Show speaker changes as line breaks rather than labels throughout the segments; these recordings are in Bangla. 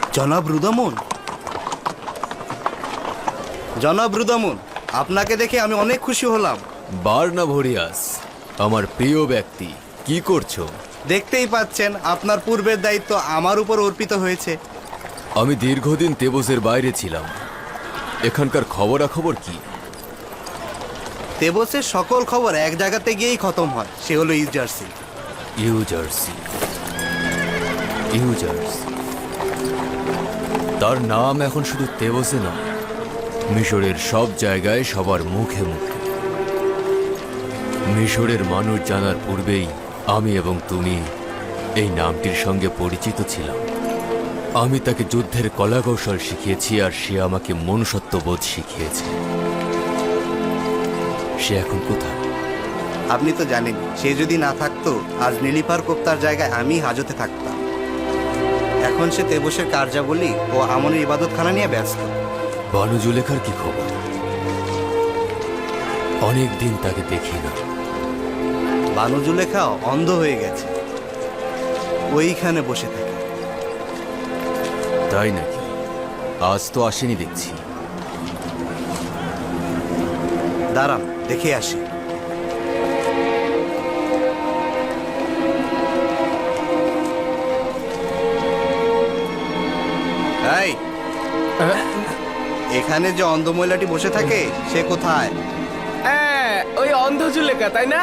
জনাব রুদামন, জনাব রুদামন, আপনাকে দেখে আমি অনেক খুশি হলাম।
বার্নাভোরিয়াস, আমার প্রিয় ব্যক্তি, কি করছো?
দেখতেই পাচ্ছেন আপনার পূর্বের দায়িত্ব আমার উপর অর্পিত হয়েছে।
আমি দীর্ঘদিন তেবসের বাইরে ছিলাম। এখানকার খবরাখবর কি?
তেবসের সকল খবর এক জায়গাতে গিয়েই খতম হয়, সে হলো ইউজার্সি।
ইউজার্সি, ইউজার্সি। তার নাম এখন শুধু তেবসে নয়, মিশরের সব জায়গায় সবার মুখে মুখে। মিশরের মানুষ জানার পূর্বেই আমি এবং তুমি এই নামটির সঙ্গে পরিচিত ছিলাম। আমি তাকে যুদ্ধের কলাকৌশল শিখিয়েছি, আর সে আমাকে মনুষ্যত্ববোধ শিখিয়েছে। সে এখন কোথায়?
আপনি তো জানেন, সে যদি না থাকতো আজ নীলিফার কোপ্তার জায়গায় আমি হাজতে থাকতাম। এখন সে তেবসের কার্যাবলী ও আমনের ইবাদতখানা নিয়ে ব্যস্ত।
বানু জুলেখার কি খবর? অনেক দিন তাকে দেখি না।
বানু জুলেখাও অন্ধ হয়ে গেছে, ওইখানে বসে থাকে।
তাই নাকি? আজ তো আসেনি দেখছি।
দাঁড়ান, দেখে আসি। এই, এখানে যে অন্ধ মহিলাটি বসে থাকে সে কোথায়?
ওই অন্ধ জুলেখা, তাই না?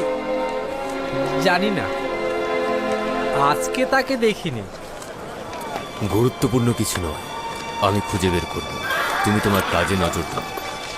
জানি না, আজকে তাকে দেখিনি।
গুরুত্বপূর্ণ কিছু নয়, আমি খুঁজে বের করব। তুমি তোমার কাজে নজর দাও।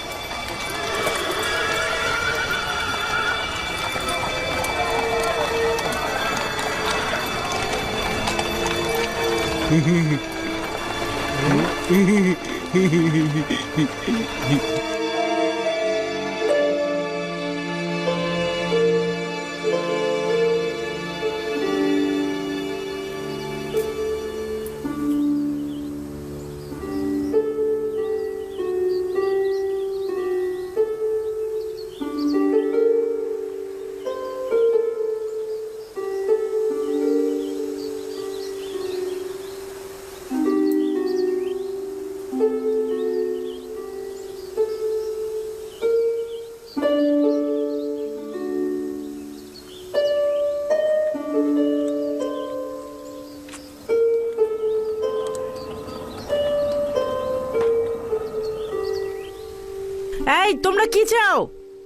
এই, তোমরা কি চাও?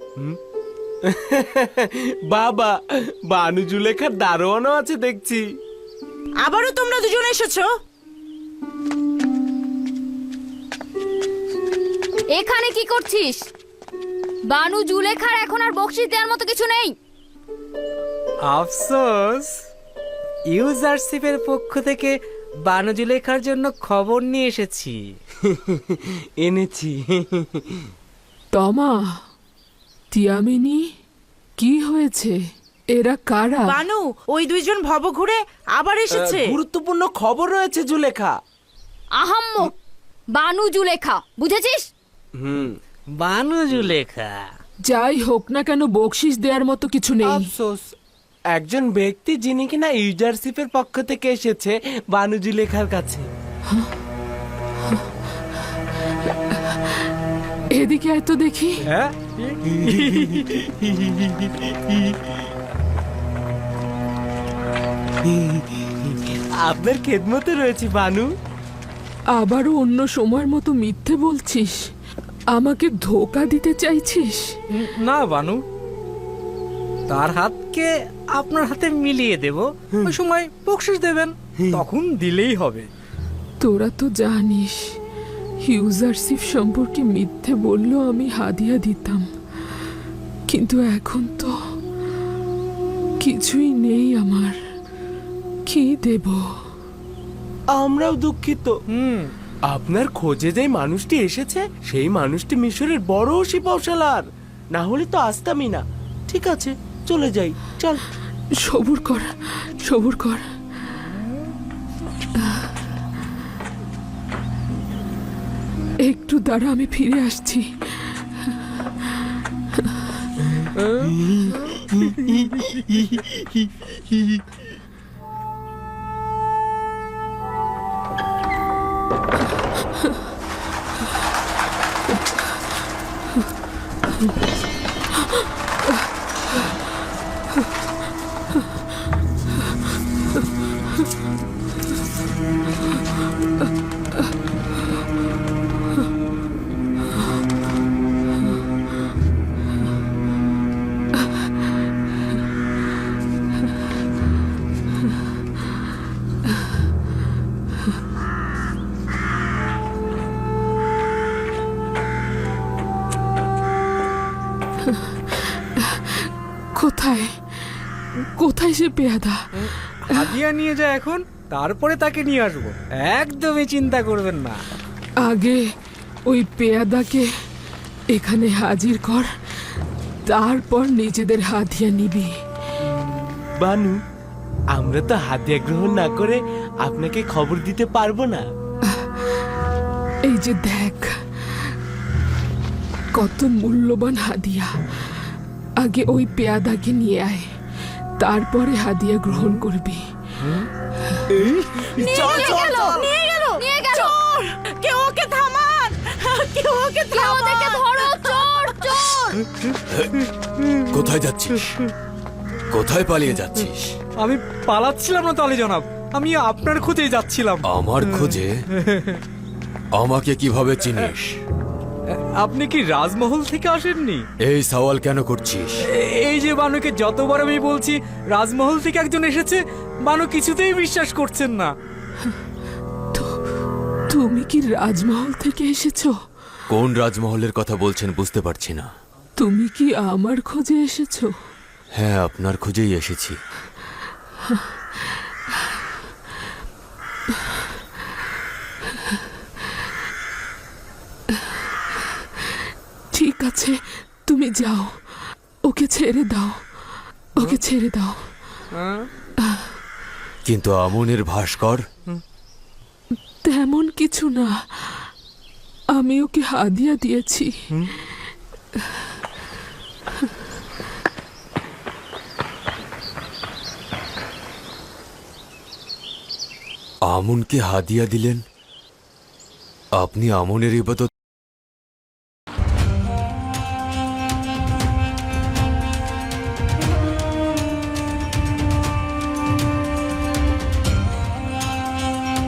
বাবা, বানু জুলেখার দারোয়ানও আছে দেখছি।
আবারও তোমরা দুজন এসেছো?
এখানে কি করছিস? বানু জুলেখার এখন আর বকশিশ দেওয়ার মতো কিছু নেই।
আফসোস, ইউজারশিপের পক্ষ থেকে বানু জুলেখার জন্য খবর নিয়ে এসেছি।
এনেছি।
তমা, তিয়ামিনি, কি হয়েছে? এরা কারা?
বানু, ওই দুইজন ভব ঘুরে আবার এসেছে।
গুরুত্বপূর্ণ খবর রয়েছে জুলেখা।
আহাম্মক, বানু জুলেখা, বুঝেছিস?
বানু জুলেখা।
যাই হোক না কেন, বকশিস দেওয়ার মতো কিছু নেই।
আফসোস, একজন ব্যক্তি যিনি কিনা ইউজারশিপের পক্ষ থেকে এসেছে বানু জুলেখার কাছে।
এদিকে আয় তো দেখি।
হ্যাঁ,
আপনার খেদমতে রয়েছে বানু।
আবারও অন্য সময়ের মতো মিথ্যে বলছিস? আমাকে ধোকা দিতে চাইছিস?
না বানু, তার হাতকে আপনার হাতে মিলিয়ে দেব। ওই সময় বকশিশ দেবেন, তখন দিলেই হবে।
তোরা তো জানিস, ইউজারশিপ সম্পর্কে মিথ্যে বললেও আমি হাদিয়া দিতাম, কিন্তু এখন তো কিছুই নেই আমার। কি দেব?
আমরাও দুঃখিত। আপনার খোঁজে যে মানুষটি এসেছে সেই মানুষটি মিশরের বড় সিপাহসালার, না হলে তো আসতামই না। ঠিক আছে, চলে যাই, চল।
সবুর কর, সবুর কর। একটু দাঁড়া, আমি ফিরে আসছি। কোথায় কোথায় সে পেয়াদা?
হাদিয়া নিয়ে যায় এখন, তারপরে তাকে নিয়ে আসবো, একদমই চিন্তা করবেন না।
আগে ওই পেয়াদাকে এখানে হাজির কর, তারপর নিজেদের হাদিয়া নিবি।
বানু, আমরা তো হাদিয়া গ্রহণ না করে আপনাকে খবর দিতে পারবো না।
এই যে দেখ, কত মূল্যবান হাদিয়া। আগে ওই পেয়াদাকে নিয়ে আয়, তারপরে হাদিয়া গ্রহণ করবি।
চল চল চল নিয়ে গেল
নিয়ে গেল।
চোর! কেউ ওকে থামান, কেউ ওকে
কেউ ওদেরকে
থামান।
ধরো, চোর চোর।
কোথায় যাচ্ছিস? কোথায় পালিয়ে যাচ্ছিস?
আমি পালাচ্ছিলাম না তাহলে জনাব, আমি আপনার খোঁজেই যাচ্ছিলাম।
আমার খোঁজে? আমাকে কিভাবে চিনিস?
আপনি কি রাজমহল থেকে আসেননি?
এই সওয়াল কেন করছিস?
এই যে বানুকে যতবার আমি বলছি রাজমহল থেকে একজন এসেছে, বানু কিছুতেই বিশ্বাস করছেন না।
তুমি কি রাজমহল থেকে এসেছো?
কোন রাজমহলের কথা বলছেন বুঝতে পারছি না।
তুমি কি আমার খোঁজে এসেছো?
হ্যাঁ, আপনার খোঁজেই এসেছি।
ঠিক আছে, তুমি যাও, ওকে ছেড়ে দাও, ওকে ছেড়ে দাও।
কিন্তু আমনের ভাস্কর?
তেমন কিছু না, আমি ওকে হাদিয়া দিয়েছি।
আমনকে হাদিয়া দিলেন? আপনি আমনের ইবাদত